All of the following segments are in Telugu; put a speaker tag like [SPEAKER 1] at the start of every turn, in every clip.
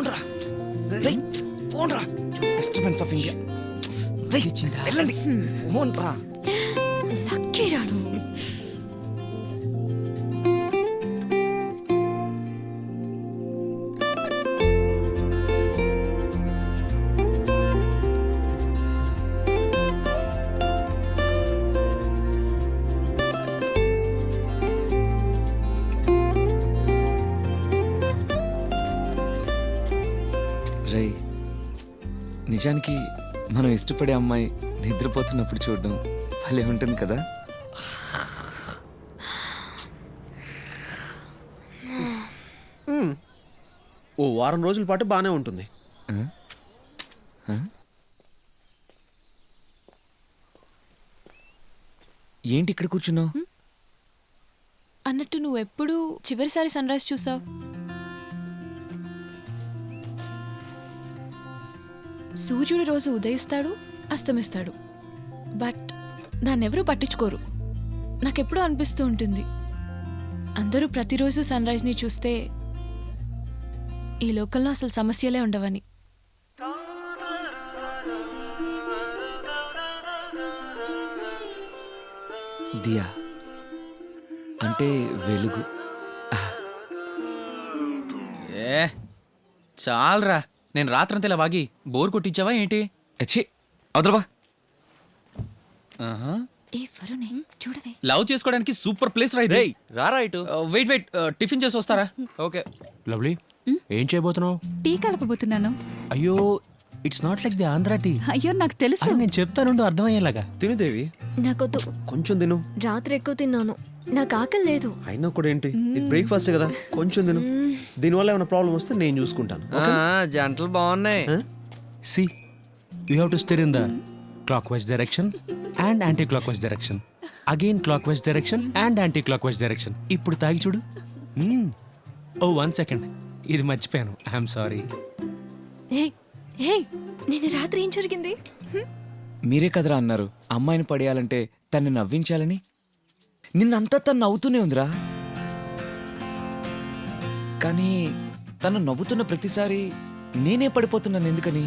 [SPEAKER 1] పోండ్రా పోండ్రా డిస్టర్బెన్స్ ఆఫ్ ఇండియా వెళ్ళండి పోండ్రా
[SPEAKER 2] లక్కీ రాను.
[SPEAKER 1] రే నిజానికి మనం ఇష్టపడే అమ్మాయి నిద్రపోతున్నప్పుడు చూడడం భలే ఉంటుంది కదా.
[SPEAKER 3] ఓ వారం రోజుల పాటు బాగానే ఉంటుంది.
[SPEAKER 1] ఏంటి ఇక్కడ కూర్చున్నావు?
[SPEAKER 2] అన్నట్టు నువ్వు ఎప్పుడు చివరిసారి సన్ రైజ్ చూసావు? సూర్యుడు రోజు ఉదయిస్తాడు, అస్తమిస్తాడు, బట్ దాన్నెవరూ పట్టించుకోరు. నాకెప్పుడూ అనిపిస్తూ ఉంటుంది, అందరూ ప్రతిరోజు సన్ రైజ్ని చూస్తే ఈ లోకంలో అసలు సమస్యలే ఉండవని.
[SPEAKER 1] దియా అంటే వెలుగు.
[SPEAKER 4] ఏ చాలరా, నేను రాత్రంతా ఇలా వాగి బోర్ కొట్టించావా ఏంటి?
[SPEAKER 1] అచ్చి అవతలబా.
[SPEAKER 4] లవ్ చేసుకోవడానికి సూపర్ ప్లేస్ రా ఇది.
[SPEAKER 5] రారా ఇటు.
[SPEAKER 4] వెయిట్ వెయిట్, టిఫిన్ చేసి వస్తారా?
[SPEAKER 5] ఓకే లవ్లీ, ఏం చేయబోతున్నావు?
[SPEAKER 6] టీ కలపబోతున్నాను.
[SPEAKER 5] అయ్యో it's not like the Andhra tea.
[SPEAKER 6] అయ్యో నాకు తెలుసు.
[SPEAKER 5] నేను చెప్తాను అర్థమయ్యేలాగా.
[SPEAKER 3] తినుదేవి,
[SPEAKER 2] నాకొద్దు,
[SPEAKER 3] కొంచెం తిను.
[SPEAKER 2] రాత్రి ఎక్కువ తిన్నాను, నాకు ఆకలి లేదు.
[SPEAKER 3] అయినా కూడా ఏంటి, ఇది బ్రేక్ఫాస్ట్ కదా, కొంచెం తిను. దీనివల్ల ఏమైనా ప్రాబ్లం వస్తే నేను చూసుకుంటాను.
[SPEAKER 5] జంటలు బాగున్నాయి. See you have to stir in the clock wise direction and clock wise direction, again clock wise direction and clock wise direction. ఇప్పుడు తాగి చూడు. ఓ 1 సెకండ్, ఇది మర్చిపోయాను, ఐఎమ్ సారీ.
[SPEAKER 2] నిన్న రాత్రి ఏం జరిగింది?
[SPEAKER 1] మీరే కదరా అన్నారు అమ్మాయిని పడేయాలంటే తన్ని నవ్వించాలని. నిన్నంతా తను నవ్వుతూనే ఉందిరా, కానీ తను నవ్వుతున్న ప్రతిసారి నేనే పడిపోతున్నాను. ఎందుకని?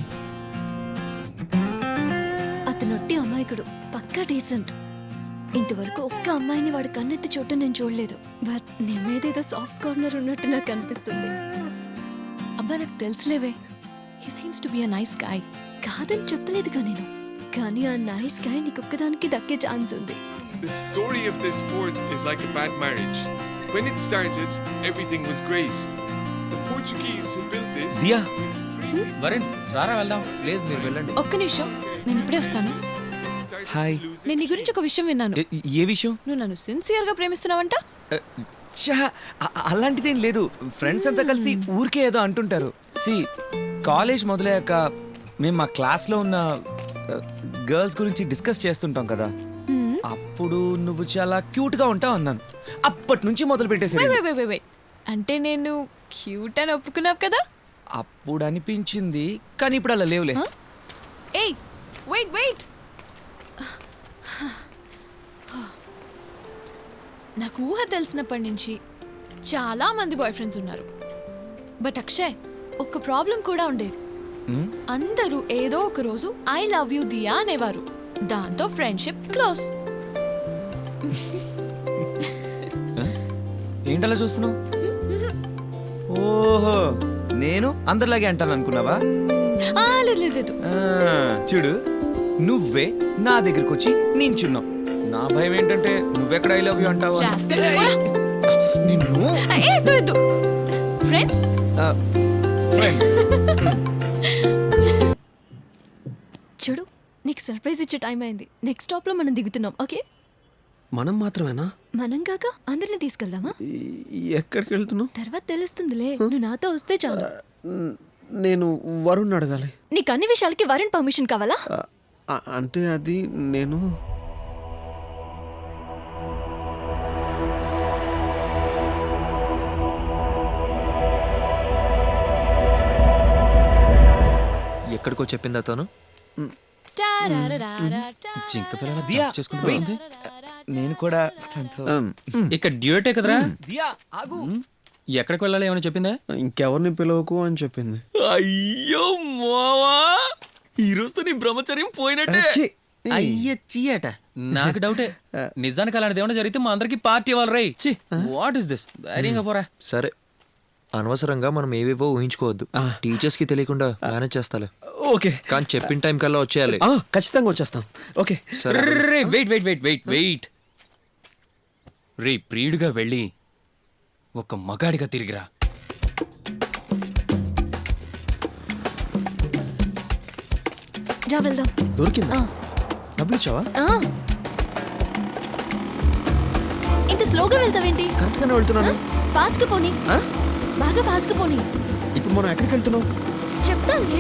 [SPEAKER 2] అతనొట్టి అమాయకుడు, పక్కా డీసెంట్. ఇంతవరకు ఒక్క అమ్మాయిని వాడు కన్నెత్తి చూడటం నేను చూడలేదు, బట్ నీ మీద ఏదో సాఫ్ట్ కార్నర్ ఉన్నట్టు నాకు అనిపిస్తుంది. అబ్బా నాకు తెలుసులేవే, he seems to be a nice guy. కాదని చెప్పలేదుగా నేను, కానీ ఆ నైస్ గాయ్ నీకొక్కదానికి దక్కే ఛాన్స్ ఉంది.
[SPEAKER 7] The story of this fort is like a bad marriage. When it started, everything was great. The Portuguese who built this...
[SPEAKER 1] దియా
[SPEAKER 4] వరుణ్ రారా వెళ్దాం. లేదు మీరు వెళ్ళండి.
[SPEAKER 2] ఒక్క నిమిషం, నేను ఇప్పుడే వస్తాను.
[SPEAKER 1] హాయ్.
[SPEAKER 2] నేను నీ గురించి ఒక విషయం విన్నాను.
[SPEAKER 1] ఏ విషయం?
[SPEAKER 2] నువ్వు నన్ను సిన్సియర్ గా ప్రేమిస్తున్నావంట.
[SPEAKER 1] ఛా, అలాంటిదేం లేదు. ఫ్రెండ్స్ అంతా కలిసి ఊరికే ఏదో అంటుంటారు. సి కాలేజ్ మొదలయ్యాక మేము మా క్లాస్లో ఉన్న గర్ల్స్ గురించి డిస్కస్ చేస్తుంటాం కదా, అప్పుడు నువ్వు చాలా క్యూట్గా ఉంటావు అన్నాను. అప్పటి నుంచి మొదలు పెట్టేసి
[SPEAKER 2] అంటే నేను క్యూట్ అని ఒప్పుకున్నావు కదా.
[SPEAKER 1] అప్పుడు అనిపించింది, కానీ ఇప్పుడు అలా లేవులే.
[SPEAKER 2] ఏయ్ వెయిట్ వెయిట్, నాకు ఊహ తెలిసినప్పటి నుంచి చాలా మంది బాయ్ ఫ్రెండ్స్ ఉన్నారు, బట్ అక్షయ్ ఒక ప్రాబ్లం కూడా ఉండేది. అందరూ ఏదో ఒక రోజు ఐ లవ్ యూ దియా అనేవారు, దాంతో ఫ్రెండ్షిప్ క్లోజ్.
[SPEAKER 1] ఏంటలా చూస్తున్నావు? ఓహో, నేను అందరిలాగే అంటాను అనుకున్నావా?
[SPEAKER 2] లేదు,
[SPEAKER 1] చూడు నువ్వే నా దగ్గరకు వచ్చి నించున్నావు. నా భయం ఏంటంటే నువ్వెక్కడ ఐ లవ్ యూ అంటావా? నిన్ను
[SPEAKER 2] ఫ్రెండ్స్
[SPEAKER 1] ఫ్రెండ్స్.
[SPEAKER 2] చూడు, నీకు సర్ప్రైజ్ ఇచ్చే టైం అయింది. నెక్స్ట్ స్టాప్ లో మనం దిగుతున్నాం, ఓకే?
[SPEAKER 3] మనం మాత్రమేనా?
[SPEAKER 2] మనం కాక అందరిని తీసుకెళ్దామా?
[SPEAKER 3] ఎక్కడికి వెళ్తున్నావు?
[SPEAKER 2] తర్వాత తెలుస్తుందిలే, నువ్వు నాతో వస్తే చాలు.
[SPEAKER 3] నేను వరుణ్ అడగాలి.
[SPEAKER 2] నీకు అన్ని విషయాలకి వరుణ్ పర్మిషన్ కావాలా?
[SPEAKER 3] అంటే అది నేను
[SPEAKER 5] ఎక్కడికో చెప్పిందా తను?
[SPEAKER 1] జింక పిల్లల దియా చేసుకుంటుంది. నేను కూడా తనతో
[SPEAKER 4] ఇక్కడ డ్యూటే కదరా.
[SPEAKER 1] దియా ఆగు.
[SPEAKER 4] ఎక్కడికి వెళ్ళాలి ఏమైనా చెప్పిందా?
[SPEAKER 3] ఇంకెవరిని పిలవకు అని చెప్పింది.
[SPEAKER 1] అయ్యో మావా, ఈ రోజుతో నీ బ్రహ్మచర్యం పోయినట్టే.
[SPEAKER 3] ఛీ!
[SPEAKER 4] అయ్యచ్చి అట. నాకు డౌటే. నిజానికి అలాంటిది ఏమైనా జరిగితే మా అందరికి పార్టీ ఇవ్వాలి రై. చి వాట్ ఇస్ దిస్? ధైర్యంగా పోరా.
[SPEAKER 8] సరే, అనవసరంగా మనం ఏవేవో ఊహించుకోవద్దు. టీచర్స్ కి తెలియకుండా మేనేజ్ చేస్తాలే.
[SPEAKER 3] ఓకే.
[SPEAKER 8] కానీ చెప్పిన టైం కల్లా వచ్చేయాలి.
[SPEAKER 3] ఖచ్చితంగా వచ్చేస్తాం. ఓకే.
[SPEAKER 8] సరే.
[SPEAKER 4] రే wait wait wait wait wait రే, ప్రియుడిగా వెళ్ళి ఒక మగాడిగా తిరిగిరా.
[SPEAKER 2] రా వెళ్దాం.
[SPEAKER 3] దొరికిందా?
[SPEAKER 2] ఆ,
[SPEAKER 3] డబ్బులు ఇచ్చావా?
[SPEAKER 2] ఆ. ఇంత స్లోగా వెళ్తావేంటి?
[SPEAKER 3] కరెక్ట్ గానే వెళ్తున్నాను.
[SPEAKER 2] ఫాస్ట్ గా పోనీ,
[SPEAKER 3] ఆ?
[SPEAKER 2] బాగా ఫాస్ట్ గా పోనీ.
[SPEAKER 3] ఇప్పుడు మనం ఎక్కడికి వెళ్తున్నాం?
[SPEAKER 2] చెప్తానులే.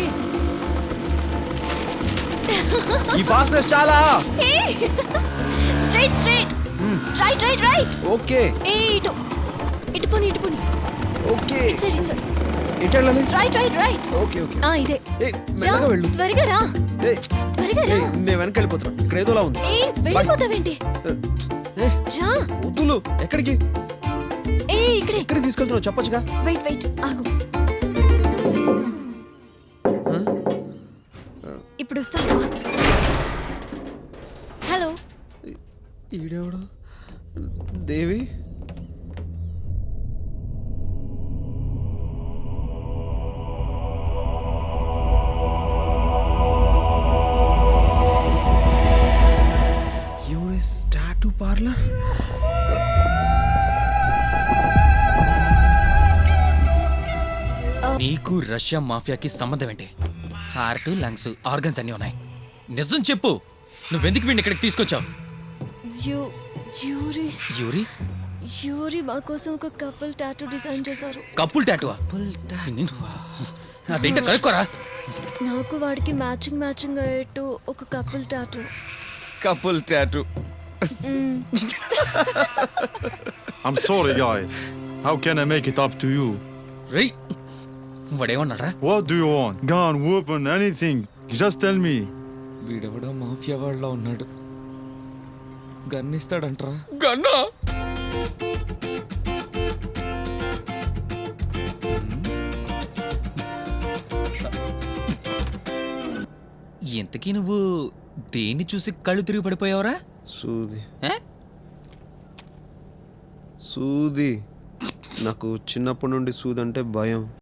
[SPEAKER 3] ఈ ఫాస్ట్నెస్ చాలా.
[SPEAKER 2] Straight straight, right right right.
[SPEAKER 3] Okay.
[SPEAKER 2] ఏ ఇటు ఇటు పోనీ, ఇటు పోనీ.
[SPEAKER 3] ఓకే.
[SPEAKER 2] ఇటు సైడ్, ఇటు సైడ్.
[SPEAKER 3] ఎటు వెళ్ళాలి?
[SPEAKER 2] Right right right.
[SPEAKER 3] Okay okay.
[SPEAKER 2] ఆ ఇదే.
[SPEAKER 3] ఏ మెల్లగా వెళ్ళు.
[SPEAKER 2] త్వరగా రా,
[SPEAKER 3] ఏయ్,
[SPEAKER 2] త్వరగా రా.
[SPEAKER 3] ఏయ్, నేను వెనక వెళ్ళిపోతున్నా. ఇక్కడ ఏదోలా ఉంది.
[SPEAKER 2] ఏ వెళ్ళిపోతావేంటి?
[SPEAKER 3] ఏ
[SPEAKER 2] రా.
[SPEAKER 3] వద్దులు. ఎక్కడికి?
[SPEAKER 2] ఏ ఇక్కడే.
[SPEAKER 3] ఎక్కడికి తీసుకెళ్తున్నావు చెప్పొచ్చుగా.
[SPEAKER 2] వెయిట్ వెయిట్, ఆగు. ఇప్పుడు వస్తాను, ఆగు. హలో.
[SPEAKER 3] ఈడెవడు? దేవి. US tattoo parlour.
[SPEAKER 4] నీకు రష్యా మాఫియాకి సంబంధం ఏంటి? హార్ట్, లంగ్స్, ఆర్గన్స్ అన్నీ ఉన్నాయి. నిజం చెప్పు, నువ్వెందుకు వీడిని ఇక్కడికి తీసుకొచ్చావు?
[SPEAKER 2] యూరి
[SPEAKER 4] యూరి
[SPEAKER 2] యూరి మా కోసం ఒక కపుల్ టాటూ డిజైన్ చేశారు.
[SPEAKER 4] Couple tattoo? అదేంటో కనుక్కోరా.
[SPEAKER 2] నాకు వాడికి మ్యాచింగ్ మ్యాచింగ్ అయ్యేట్టు ఒక couple tattoo.
[SPEAKER 1] Couple tattoo.
[SPEAKER 9] I'm sorry, guys. How can I make it up to you?
[SPEAKER 4] రేయ్, వాడేమన్నాడ్రా?
[SPEAKER 9] What do you want? Gun, weapon, anything. Just tell me.
[SPEAKER 1] వీడెవడో మాఫియా వాళ్ళ ఉన్నాడు. గన్నిస్తాడంట్రా.
[SPEAKER 4] గన్నా? ఇంతకీ నువ్వు దేన్ని చూసి కళ్ళు తిరిగి పడిపోయావురా?
[SPEAKER 3] సూది.
[SPEAKER 4] ఏ?
[SPEAKER 3] సూది. నాకు చిన్నప్పటి నుండి సూది అంటే భయం.